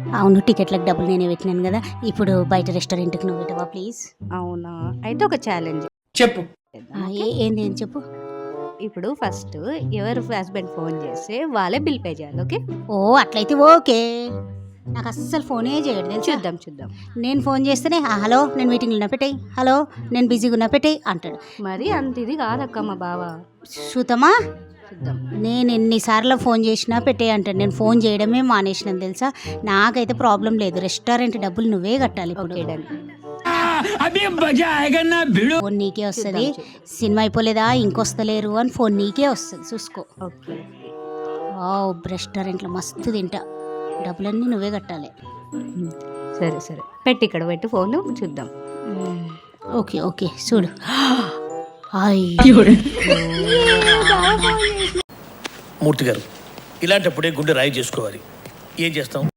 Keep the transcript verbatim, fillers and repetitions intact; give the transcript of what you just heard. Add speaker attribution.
Speaker 1: అవును, టికెట్లకు డబ్బులు నేనే పెట్టినాను కదా. ఇప్పుడు బయట రెస్టారెంట్కి నువ్వు పెట్టవా ప్లీజ్?
Speaker 2: అవునా, అయితే ఒక ఛాలెంజ్
Speaker 3: చెప్పు.
Speaker 1: ఏంది ఏం చెప్పు.
Speaker 2: ఇప్పుడు ఫస్ట్ ఎవరు హస్బెండ్ ఫోన్ చేస్తే వాళ్ళే బిల్ పే చేయాలి. ఓకే?
Speaker 1: ఓ అట్లయితే ఓకే. నాకు అస్సలు ఫోనే చేయడు తెలుసా.
Speaker 2: చూద్దాం చూద్దాం.
Speaker 1: నేను ఫోన్ చేస్తేనే "ఆ, హలో నేను మీటింగ్లో ఉన్నా పెట్టేయి, హలో నేను బిజీగా ఉన్నా పెట్టేయి" అంటాడు.
Speaker 2: మరి అంత ఇది కాదక్క మా బావ.
Speaker 1: చూద్దామా?
Speaker 2: చూద్దాం.
Speaker 1: నేను ఎన్నిసార్లు ఫోన్ చేసినా పెట్టేయి అంటాడు. నేను ఫోన్ చేయడమే మానేసినాను తెలుసా. నాకైతే ప్రాబ్లం లేదు, రెస్టారెంట్ డబ్బులు నువ్వే కట్టాలి. ఇప్పుడు
Speaker 2: ఓకే డన్.
Speaker 1: ఫోన్ నీకే వస్తుంది. సినిమా అయిపోలేదా ఇంకొస్తలేరు అని ఫోన్ నీకే వస్తుంది, చూసుకో.
Speaker 2: ఓకే.
Speaker 1: వావ్, రెస్టారెంట్లో మస్తు తింటా, డబ్బులన్నీ నువ్వే కట్టాలి.
Speaker 2: సరే సరే, పెట్టి ఇక్కడ పెట్టి ఫోన్ చూద్దాం.
Speaker 1: ఓకే ఓకే చూడు.
Speaker 3: మూర్తి గారు, ఇలాంటప్పుడే గుండె రాయి చేసుకోవాలి. ఏం చేస్తాం?